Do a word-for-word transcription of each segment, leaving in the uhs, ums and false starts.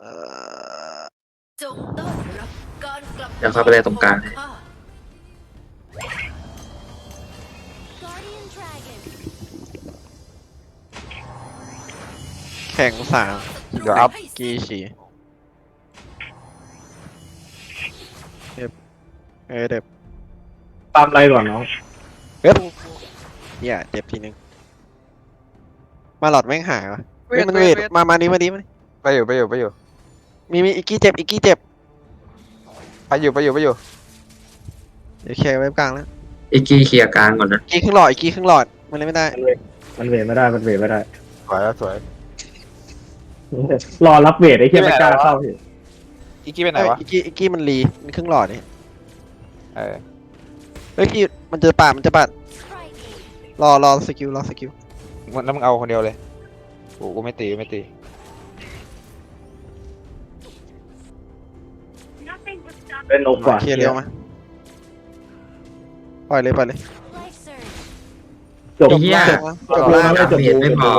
จงต้อนรับการกลับเดี๋ยวเข้าไปเลยตรงกลางแข่งสามเดี๋ยวอัพกีฉีเด็บเออเด็บตามอะไรก่อนน้องเฮ้ยเนี่ยเจ็บทีนึงมาหลอดแม่งหายวะเฮ้ยมันเวทมามานี้มานี้มานี้ไปอยู่ไปอยู่ไปอยู่มีมีอีกกี้เจ็บอีกกี้เจ็บไปอยู่ไปอยู่ไปอยู่เดี๋ยวเคลียร์ไว้กลางแล้วอีกกี้เคลียร์กลางก่อนนะอีกกี้ครึ่งหลอดอีกกี้ครึ่งหลอดมันเลยไม่ได้มันเวทไม่ได้มันเวทไม่ได้สวยแล้วสวยรอรับเวทไอ้เหี้ยไม่กล้าเข้าพี่อีกกี้ไปไหนวะอีกกี้อีกกี้มันรีมันครึ่งหลอดนี่เออเฮ้ยพี่มันจะปาดมันจะปาดรอรอสกิลรอสกิลมันแล้วมึงเอาคนเดียวเลยกูกูไม่ตีไม่ตีเป็นนกกว่าเคลียร์เร็วมาปล่อยเลยปล่อยเลยจบไอ้เหี้ยจบจบแล้แล้ว วไม่จบเบียดไม่พอ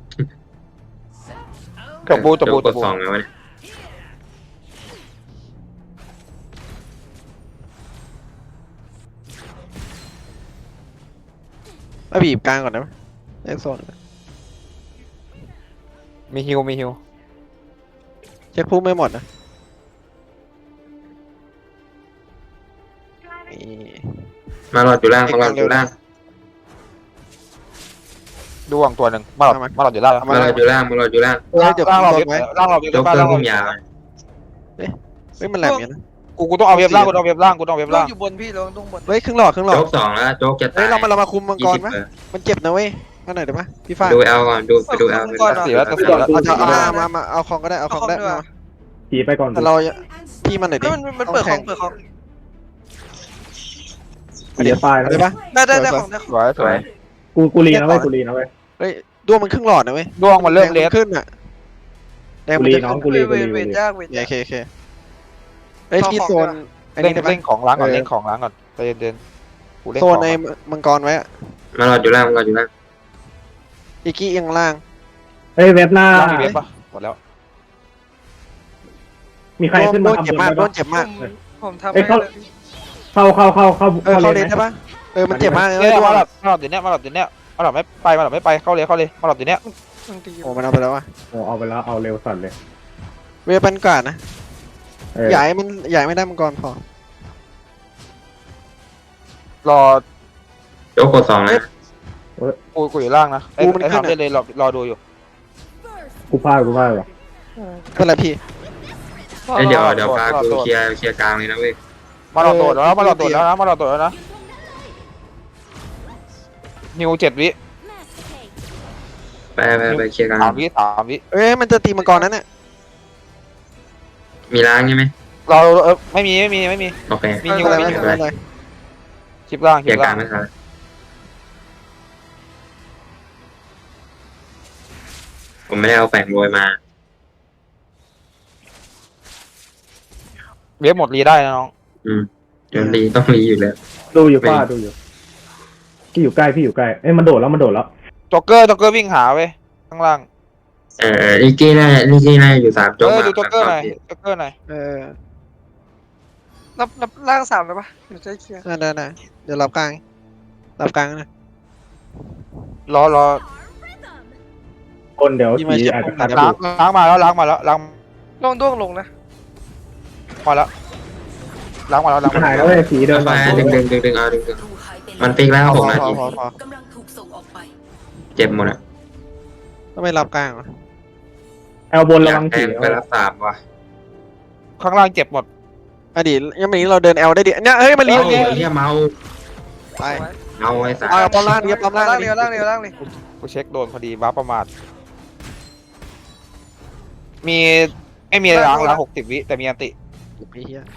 จบบูจบบูกจดบบูสองแล้วเนี่ยมาบีบกลางก่อนนะเอ็กโซนมีฮิวมีฮิวเช็คพุ่มไม่หมดนะนี่มาหลอดอยู่ล่างมาหลอดอยู่ล่างดวงตัวหนึ่งมาหลอดมาหลอดอยู่ล่างมาหลอดอยู่ล่างมาหลอดอยู่ล่างเฮ้ยเดี๋ยวล่างเราลเว็ดบไว้ล่างเราเว็บยกล่างเครื่อเรางพุ่มยาวเฮ้ยมันแหลมอย่างนะกูกูต้องเอาเว็บล่างกูต้องเอาเว็บล่างกูต้องเอาเว็บล่าล่าง งอยู่บนพี่ลงตรงบนเฮ้ยครึ่งหลอดครึ่งหลอดโจ๊กสองแล้วโจ๊กจะเฮ้ตาย ยเรามาเรามาคุมมังกยี่รสิบไหมเออมันเจ็บนะเว้ยมาหน่อยได้ไหมพี่ฟ้าดูเอลก่อนดูไปดูเอลไปดูเสียแล้วเสียแล้วเอาจะเอามามามาเอาของก็ได้เอาของได้มาขี่ไปก่อนแต่เราพี่มันหน่อยดิเฮ้ยมันมันเปิดของเปิดของเดี๋ยวตายแล้วได้ปะได้ได้ได้ของได้สวยสสววย ยกูกูรีนะเว้ยกูรีนะเว้ยเฮ้ยด้วงมันครึ่งหลอดนะเว้ยดวงมันเริ่มเลสขึ้นอ่ะแดงกูมันรีจะน้องขึ้นกูรีเวกูทรีเวกูทรียากเวทโอเคยากโอเคเฮ้ยพี่โซนอันเล่นี้นได้ปะเล่นของล้างก่อนเออเล่นของล้างก่อนใจเย็นๆกูเล่นโซขนองในมังกรไว้อะมาหลอดอยู่ล่างมาหลอดอยู่ล่างอีกกี้เอียงล่างเฮ้ยเว็บหน้าล่างมีเว็บปะหมดแล้วมีใครขึ้นโดมานเจ็บทำบนมากได้โดปะนเจ็บมากผมผมทำเอ้ยให้เขาเลยเข้าเข้าเข้าเข้าเออเข้าเลเลนนได้ปะเออมันเจ็บมากเลยเนี่ยด้วมาง หลอดมาหลอดเดี๋ยวเนี้ยมาหลอดเดี๋ยวเนี้ยมาหลอดไม่ไปมาหลอดไม่ไปเข้าเลยเข้าเลยมาหลอดเดี๋ยวเนี้ยบางทีโอ้มันเอาไปแล้ววะโอ้เอาไปแล้วเอาเร็วสั่นเลยเวปันก่อนนะเออใหญ่มันใหญ่ไม่ได้มังกรพอรอโจ๊กกดสองนะกูกูอยู่ล่างนะไอ้ไอ้ทำได้เลยรอรอดูอยู่กูพลาดกูพลาดว่ะเป็นไรพี่เอ้ยเดี๋ยวเดี๋ยวพากูเคลียร์เคลียร์กลางเลยนะเว้ยมาหลอดโดดแล้วมาหลอดโดดแล้วนะมาหลอดโดดแล้วนะนิวเจ็ดวิไปไปไปเคลียร์กลางสามวิสามวิเอ้ยมันจะตีมังกรนั้นเนี่ยมีล้างใช่ไหมเราเออไม่มีไม่มีไม่มีโอเคมีไม่นิวเป็นไรมีไม่นิวเป็นไรคลิปล่างเคคลิลียปร์กลาล่าง งไม่ทันผมไม่ได้เอาแฝงโรยมาเว็บหมดรีได้นะน้องอืมเดี๋ยวรีต้องรีอยู่แล้วดูอยู่ป้าดูอยู่พี่อยู่ใกล้พี่อยู่ใกล้เอ้ยมันโดดแล้วมันโดดแล้วจ็อกเกอร์จ็อกเกอร์วิ่งหาเว้ยข้างล่างเออลิกกี้น่าลิกกี้น่าอยู่สามเอโจ๊กอมาดูจ็อกเกอร์หน่อยจ็อกเกอร์หน่อยเออรับรับล่างสามเลยปะเดี๋ยวจะเคลียร์ได้ได้ได้เดี๋ยวรับกลางรับกลางนะรอรอคนเดี๋ยวพี่มาขี่เช็คอาจจะผมหน่ขาอยดได้อปะยู่ล้างล้างมาแล้วล้างมาแล้วล้างลงด้วงลงนะมาแล้วล้างมาแล้วล้างมันมาหายแล้แล้ว วเว้ยสีเดินไปมาดึงดึงดึงดึงเอาดึงดึงรูหายไปมันฟิกแล้วหกนาทีพอพอกำลังถูกส่งออกไปเจ็บหมดอ่ะต้องไม่รับกลางวะแอลบนอระยากวังแทสีงไปรับสามว่ะข้างล่างเจ็บหมดอดีตยังมีเราเดินแอลได้ดิเนี่ยเฮ้ยมันรีโอ้บยเฮียเมาไปเมาไอ้สามเอาปั๊มล่างดิปั๊มล่างล่างดิเดียวล่างเดียวล่างเลยกูเช็คโดนพอดีบ้าประมาทมีไม่มีล้างล้างหกสิบวิแต่มีอันติไอ้เหี้ย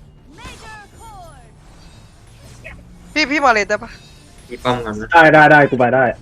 พี่พี่มาเลนได้ปะพี่ป้อมกันนะได้ได้ได้กูไปได้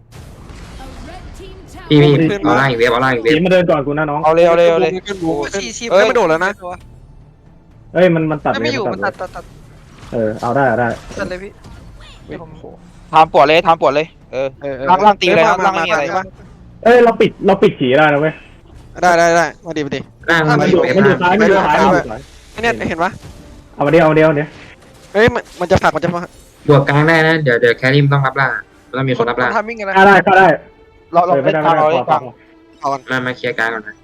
พี่พี่เอาล่างอีกเว็บเอาล่างอีกเว็สีบมาเดินก่อนกูนะน้องเอาเลยเอาเลยเอาเลยขึ้นบูขึ้นชีชีเอ้ยไม่โดดแล้วนะเอ้ยมันมันตัดไม่เลยอยู่มัมันนตัตัดดตัดตัดเออเอาได้เอาได้ตัดเลยพี่เฮ้ยโอ้โหทำปวดเลยทำปวดเลยเออเออเออล่างล่างตีเลยนะอ้ล่างไม่มีอะไรปะเอ้ยเราปิดเราปิดขี่ได้นะเว้ยอได้ได้ได้มาดีมาดีล่างอ่ะมันมันออยู่ ยู่เว็บมันอยู่ล่างซ้ายมันอยู่ซ้ายมันอยู่ซ้ายไอ้เนี่ยเห็นปะเอามาเดียวเอามาเดียวเดี๋ยวเฮ้ยมันมันจะผลักมันจะผลักบวกกลางได้นะเดี๋ยวเดี๋ยวแครี่ต้องรับล่างต้องมีคนรับล่างทำมิ่งกันนะฆ่าได้ฆ่าได้เราเราเออไม่ไม่ได้กลางไม่เราได้ไม่ขกอลางขอมามาเคลียร์กลางก่อนนะ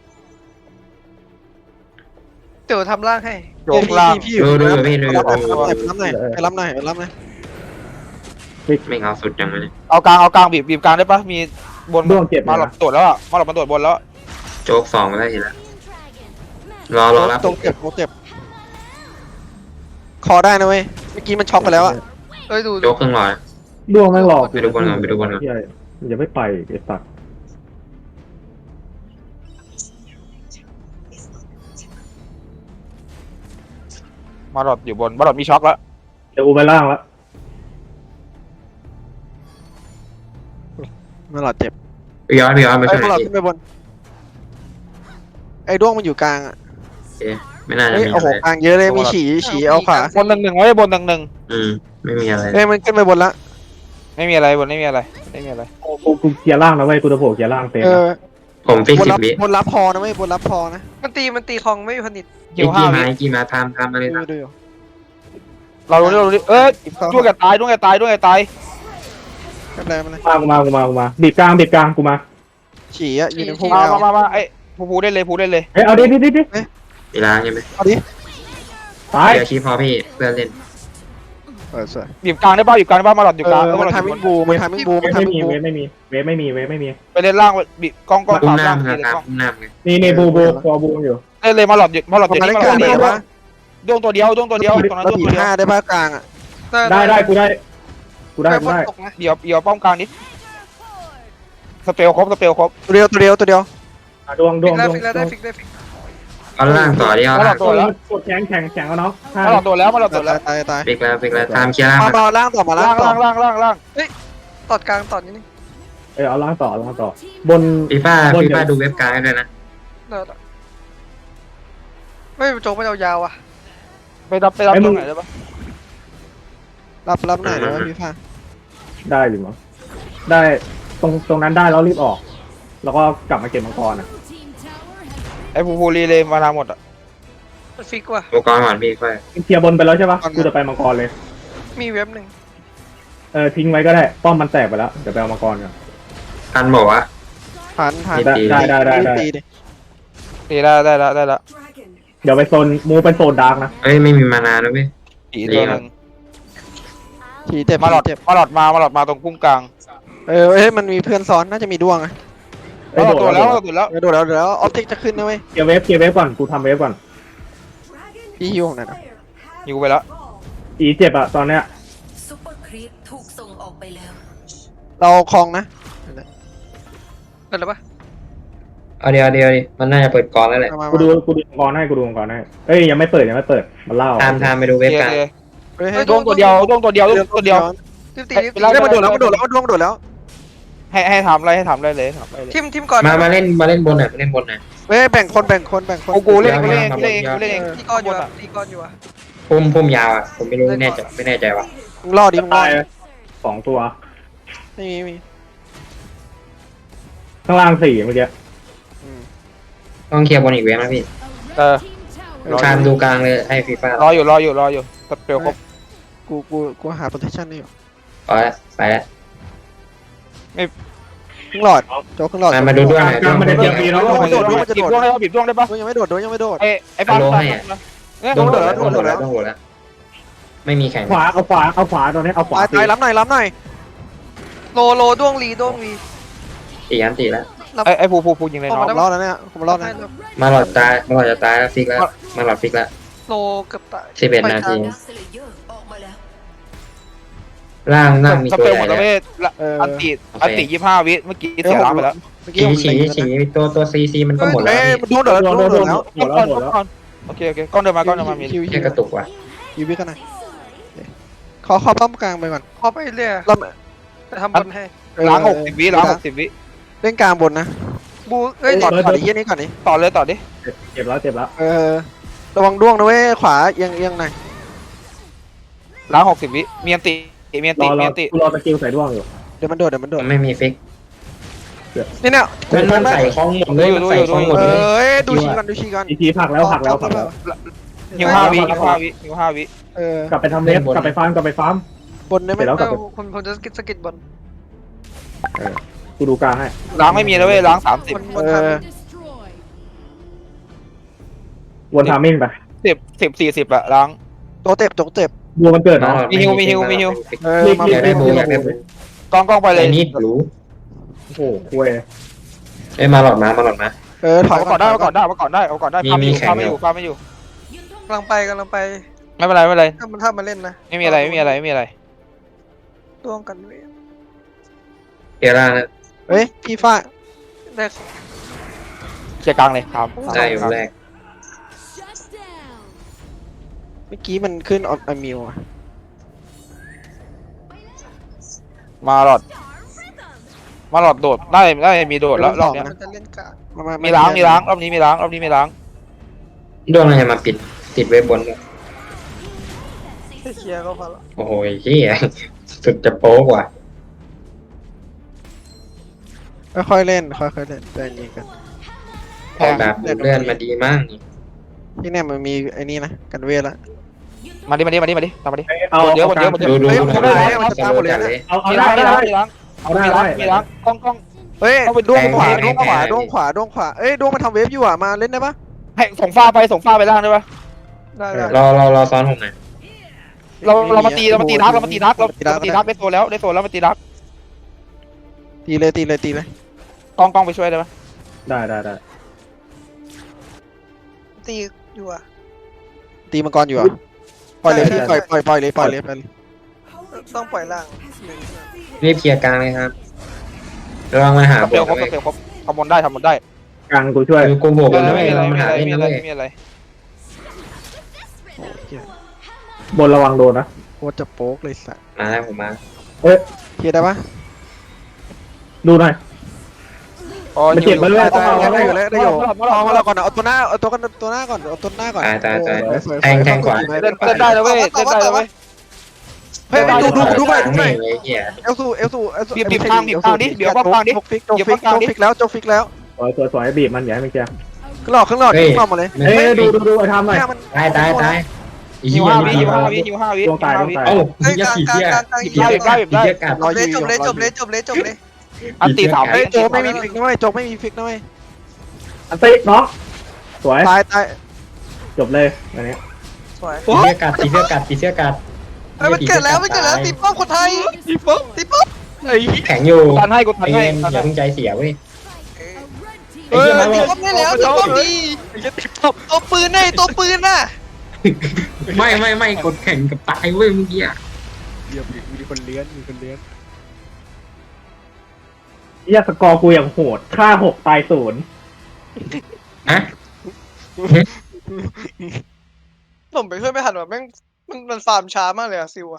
เดี๋ยวทำร่างให้โยกล่างพี่อยู่ดูดูดูพี่ดูไปดูรับหน่อยไปรับหน่อยไปรับหน่อยไปรับหน่อยไม่เอาสุดจังเลยเอากลางเอากลางบีบบีบกลางได้ปะมีบนด้วงเจ็บมาหลบตรวจแล้วอ่ะมาหลบมาตรวจบนแล้วโจ๊กสองมาได้ทีละรอรอรับตรงเจ็บตรงเจ็บคอได้นะเว้ยเมื่อกี้มันช็อกไปแล้วอะเอ้ยดูโจ๊กครึ่งหลอดด้วงแม่งหลอกไปดูบอลก่อนไปดูบอลก่อนเหี้ยมันจะไม่ไปไอ้สัตว์มาหลบอยู่บนมาหลบมีช็อกแล้วเดี๋ยวอูไปล่างแล้วมันหลอดเจ็บไปย้อนไปย้อนไปไอ้ช่วยพวกเราพี่ขึ้นไปบนไอ้ด้วงมันอยู่กลางอะโอเคไม่น่าจะเฮ้ยมีโอ้อะโหไรกลางเยอะเลยมีฉี่ฉี่เอาขวาบนหนึ่งหนึ่งไว้บนหนึ่งหนึ่งอืมไม่มีอะไรเฮ้ยมันขึ้นไปบนละไม่มีอะไรบนไม่มีอะไรไม่มีอะไรกูกูกูเคลียร์ล่างแล้วเว้ยกูจะโผล่เคลียร์ล่างเต็มเอนะอผมฟิกบนสิบรับวิบนรับพอนะเว้ยบนรับพอนะมันตีมันตีคลองไม่มีผนิตคิไอ้วห้ากี้วิมาไอ้กี้มาทำทำอะไรดูนะดูอยู่เราดูเราดูเอ้ยอีกเข้าด้วงแกตายด้วงแกตายด้วงแกตายไม่เป็นไรไม่เป็นไรมากูมากูมากูมาบีบกลางบีบกลางกูมาฉี่อะอยู่ในพุ่งมาเอามามามาไอ้ผูผูได้เลยผูได้เลยเฮ้ยเอาดิดิดิดิมีล้างใช่ไหมเอาดิตายเดี๋ยวชี้พอพี่เพื่อนเล่นเออสวยบีบกลางได้ป่ะบีบกลางได้ป่ะมาหลบอยู่เอกลางอแล้วมัมาน หลบอทำยู่มิ่บงนบูมันทำมิ่งบูมันไม่ทำมิ่งมีบูเวฟไม่มีเวฟไม่มีเวฟไม่มีไปเล่นล่างบีบกล้องกล้องอุ้มขวาหน้าล่างมึงเล่นครับกล้องอุ้มหน้ามึงนี่นี่บูบูคอบูอยู่เล่นเลยมาหลบอยู่มาหลบผมอยู่มาเล่นี่นมาก หลลางบได้อยู่ปะดวงตัวเดียวดวงตัวเดียวตรงนั้นเราดวงบีตัวเดียวห้าได้ปะกลางอะได้ได้กูได้กูได้กูฝนได้ตกนะเดี๋ยวเดี๋ยวป้อมกลางนิดสเปลครบสเปลครบตัวเดียวตัวเดียวตัวเดียวอ่ะดวงดฟิวกงแล้วดวงฟิกแล้วได้ฟิกได้ฟิกเอาล่างต่อดิเอามาหลล่างบตัวแล้วกดแข็งแข็งแข็งเอาเนาะห้ามาหลบตัวแล้วมาหลบตาตัวย แล้วตายตายฟิกแล้วฟิกแล้วทำเคลียร์ล่างมามามาล่างต่อมาล่าล่าง งต่อล่างล่างล่างล่างตอดกลางตอดนิดนึงเออเอาล่างต่อเอาล่างต่อบนฟีฟ่าบนฟีเดี๋ยวฟ่าดูเว็บกลางให้ด้วยนะเดี๋ยวไม่โจ๊กมันยาวๆอ่ะไปรับไปรับตรงไหนได้ปะรับรับหน่อยนะพี่ฟ้าได้อยู่มั้งได้ตรงตรงนั้นได้แล้วรีบออก แล้วก็กลับมาเก็บมังกรอ่ะไอ้ผูผูรีเลยมานาหมดอ่ะมันฟิกว่ะอุปกรณ์ก่อนพี่ค่อยเคลียร์บนไปแล้วใช่ปะกูจะไปมังกรเลยมีเว็บหนึ่งเออทิ้งไว้ก็ได้ป้อมมันแตกไปแล้วเดี๋ยวไปเอามังกรกันทันบอกว่าผ่านผ่านได้ได้ได้ได้ได้ตีดิตีได้ได้แล้วได้แล้วเดี๋ยวไปโซนมูไปโซนดาร์กนะเอ้ยไม่มีมานาแล้วเว้ยตีตัวหนึ่งฉี่เจ็บมาหลอดเจ็บมาหลอดมามาหลอดมาตรงพุ่มกลางเออเฮ้ยมันมีเพื่อนซ้อนน่าจะมีดวงอะเอ้มาย หลโดอดดตัวแล้แล้ว วตัวแล้วเออโดดแล้วโดดแล้วออฟติกจะขึ้นนะเว้ยเคลียร์เวฟเคลียร์เวฟก่อนกูทำเวฟก่อนพี่ฮิวของไหนอยนะอยู่ไปแล้วอีเจ็บอะตอนเนี้ยซุปเปอร์ครีปถูกส่งออกไปแล้วเราคลองนะเปิดแล้วปะเอาเดียวเดียวดิมันน่าจะเปิดกรแล้วแหละมามากูดูกูดูมังกรให้กูดูมังกรให้เอ้ยยังไม่เปิดยังไม่เปิดมันเล่าทำทำไปดูโอเว็บเคกลางโอเคเฮ้ยให้ดวงตัวเดียวดวงตัวเดียวดวงตัวเดียวรีบตีรีบไปตีไล่ได้มันโดดแล้วมันโดดแล้วมันดวงโดดแล้วให้ให้ทำอะไรให้ทำอะไรเลยทำอะไรเลยทิมทิมก่อนมามาเล่นมาเล่นบนหน่อยมาเล่นบนหน่อยเฮ้ยแบ่งคนแบ่งคนแบ่งคนกูกูเล่นเดี๋กูยวเล่นเดี๋กูยวเล่นกูเล่นเองตีก้อนอยู่อ่ะตีก้อนอยู่อ่ะพุ่มพุ่มยาวอ่ะผมไม่รู้แน่ใจไม่แน่ใจว่ะมึงรอดิมึงรอตายดิสองตัวไม่มีไม่มีข้างล่างสี่เมื่อกี้อืมต้องเคลียร์บนอีกเว็บนะพี่เออชามดูกลางเลยให้ฟีฟ่ารออยู่รออยู่รออยู่สเปลครบกูกูกูหา protection นี่อยู่ไปแล้วไปแล้วครึ่งหลอดโจ๊กครึ่งหลอดมามาดูด้วยหน่อยกลางมันจะเตรียมปีเนาะดวงมันจะโดดบีบดวงได้ปะบีบดวงได้ปะดวงยังไม่โดดดวงยังไม่โดดไอ้ไอ้ปลาโลปลาให้อะเนี่ยต้องโหโดดดแล้แล้ววต้องโหดโดดแล้แล้ว วต้องโหดแล้วไม่มีแข่งขวาเอาขวาเอาขวาตอนนี้เอาขวาตายตายรับหน่อยรับหน่อยโลโลด้วงลีด้วงลีตีอันตีแล้วไอ้ไอ้ผูผูผูยิงเลยผมน้องรอดแล้วเนี่ยผมรอดแล้วมาหลอดตายมาหลอดจะตายแล้วฟิกแล้วมาหลอดฟิกแล้วโลเกือบตายสิบเอ็ดนาทีดักสเลเยอร์ออกมาแล้วล่างล่างมีสตัวเปลใหหมญ่ดแล้วเลยเว้ยอันติอันติยี่ห้าวิเมื่อกี้เสียล้างไปแล้วเมื่อกี้ฉีผมฉีเล็งฉีตัวตัวซีซีมันก็หมดแล้วเอ้ยพี่มันดวงโดดแล้วดวงโดดแล้วหมดแล้วหมดแล้วโอเคโอเคก้อนเดินมาก้อนเดินมามีคิวแค่กระตุกว่ะคิววิกันหน่อยขอขอป้อมกลางไปก่อนพอไปเรื่อยเราจะทำบอลให้ล้างหกสิบวิล้างหกสิบวิเล่นกลางบนนะบูเอ้ยต่อต่อดิเยี่ยนี้ก่อนดิต่อเลยต่อดิเจ็บแล้วเจ็บแล้วเออระวังดวงนะเว้ยขวาเอียงเอียงหน่อยล้างหกสิบวิมีอันติมีอันรติอรมีออันติกูรอสกิลใส่ด้วงอยู่เดี๋ยวมันโดดเดี๋ยวมันโดดไม่มีฟิกนี่เนี่ยมันมันใส่คลองหมดเลยมันใส่คลองหมดเอเลย้ยดูชีก่อนดูชีก่อนอีกทีผลักแล้วผลักแล้วผลักแล้วหิวห้าวิหิวห้าวิหิวห้าวิเออกลับไปทำเลฟกลับไปฟาร์มกลับไปฟาร์มบนได้ไหมเสร็จแล้วกลับไปผมผมจะสกิดสกิดบนกูดูกลางให้ล้างไม่มีแล้วเว้ยล้างสามสิบบนบนเอทอวนทามิ่งไปสิบสิบสี่สิบอะล้างำโตเต็บโตเต็บบัวมันเกิดมาเนาะหลอดมีฮิวมีฮิวมีฮิวเออรีบมารีอยากได้บูอยากได้บูกล้องกล้องไปเลไอ้ยนี่รู้โอ้โหคุยเอ้ยมาหลอดมามาหลอดมาเออถอยเอาก่อนได้เอาก่อนได้เอาก่อนได้เอาก่อนได้มีฟาร์มไม่อยู่มีแข่งฟาร์มไม่อยู่ฟาร์มไม่อยู่กำลังไปกำลังไปไม่เป็นไรไม่เป็นไรถ้ามันถ้ามันเล่นนะไม่มีอะไรไม่มีอะไรไม่มีอะไรร่วมกันเว้ยเอร่านะเฮ้ยพี่ฟ้าได้เคลียร์กลางเลยครับได้อยู่แรกเมื่อกี้มันขึ้นออมิวอะมาหลอด มาหลอดโดดได้ได้มีโดดแล้วรอบเนี้ยมันจะเล่นกามามามีล้างมีล้างรอบนี้มีล้างรอบนี้มีล้างดวงอะไรมาปิดติดไว้บนด้วยแค่เคลียร์ก็พอละโอ้โหเฮียสุดจะโป๊กว่ะค่อยๆเล่นค่อยๆเล่นใจเย็นกันออกแบบดูดเลื่อนมาดีมากนี่ที่เนี่ยมันมีไอ้นี่นะกันเวทละมาดิมาดิมาดิมาดิตามมาดิเอาเดี๋ยวเดี๋ยวเดี๋ยวดูดูเฮ้ยดูผมดูได้ดูมันจะตามหมดเลยนะเอาเอามีได้ล้างได้มีล้างเอามีได้ล้างได้มีล้างกล้องกล้องเฮ้ยเอาไปดวงขวาดวงขวาดวงขวาดวงขวาเอ้ยดวงมาทำเวฟอยู่อ่ะมาเล่นได้ปะให้ส่งฟ้าไปส่งฟ้าไปล่างได้ปะได้ได้รอรอรอซ้อนผมหน่อยเราเรามาตีเรามาตีดักเรามาตีดักเราเรามาตีดักได้โซนแล้วได้โซนแล้วมาตีดักตีเลยตีเลยตีเลยกล้องกล้องไปช่วยได้ปะได้ได้ได้ตีอยู่อ่ะตีมังกรอยู่อ่ะปล่อยเลยพี่ปล่อยปล่อยปล่อยเลยปล่อยเลยปล่อยเลยต้องปล่อยล่างรีบเคลียร์กลางเลยครับระวังมาหาสบเปลนครบนะสเว้ยเปลครบทำบนได้ทำบนได้กลางกูช่วยคือกูบวกบนนะไม่เว้ยมีอะไรเราไม่มามีหาอะไรเล่นไม่มีนะอะไรเว้ยไม่มีอะไรโอ้เหี้ยบนระวังโดนนะโคตรจะโป๊กเลยสัตว์มาแล้วผมมาเอ้ยเคลียร์ได้ปะดูหน่อยอ๋อมันเจ็บมาเรื่อยได้ต้องเอาได้อยู่แล้วได้อยู่มาเอามามาเราก่อนเอาตัวหน้าเอาตัวกันตัวหน้าก่อนเอาตัวหน้าก่อนตายตายตายโอ้สวยๆแทงแทงขวาเล่นเล่นได้แล้วเว้ยเล่นได้แล้วเว้ยเฮ้ยดูดูดูหน่อยดูหน่อยไอ้เหี้ยเอลซูเอลซูเอลซูบีบบีบข้างบีบข้างดิเดี๋ยวป้องข้างดิโจกฟิกโจกฟิกโจกฟิกแล้วโจกฟิกแล้วสวยสวยสวยบีบมันอย่าให้มันเคลียร์ขึ้นหลอกขึ้นหลอกขึ้นหลอกมาเลยเอ้ยดูดูดูไอ้ทำหน่อยหน้ามันตายตายตายไอ้หิเหี้วย ห้าวินี่หิวห้าวิหิวห้าวิดวงตายดวงตายเอ้าเหี้ยผีเหี้ยผีเหี้ยผีเหี้ยกัดรออเลยยู่จบเลยจบเลยจบเลยจบเลยอันตีสามเฮ้วิยโจกไม่มีฟิกนะเว้ยโจกไม่มีฟิกนะเว้ยอันติน้องสวยตายตายจบเลยอันนี้สวยผีเหี้ยกัดผีเหี้ยกัดผีเหี้ยกัดเฮ้ยมันเกิดแล้วมันเกิดแล้วตีป้อมคนไทยตีป้อมตีป้อมไอ้แข็งอยู่ตันให้กูตันไอ้ให้เอ็มอย่าเพิ่งใจเสียเว้ยเออตีป้อมได้แล้วตีป้อมดีตัวปืนไอ้ตัวปืนน่ะไม่ไม่ไม่กดแข่งกับตายเว้ยเมื่อกี้เดี๋ยวมีคนเลี้ยนมีคนเลี้ยนเหี้ยสกอร์กูอย่างโหดฆ่าหกตายศูนย์อะผมไปช่วยไม่ทันว่ะแม่งมันมันฟาร์มช้ามากเลยอะซิวอะ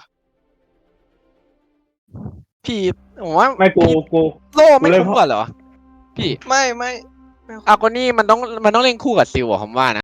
พี่ผมว่าไม่กูกูโล่ไม่คุ้มกว่าเหรอพี่ไม่ไม่อากนี่มันต้องมันต้องเล่นคู่กับซิลอะผมว่านะ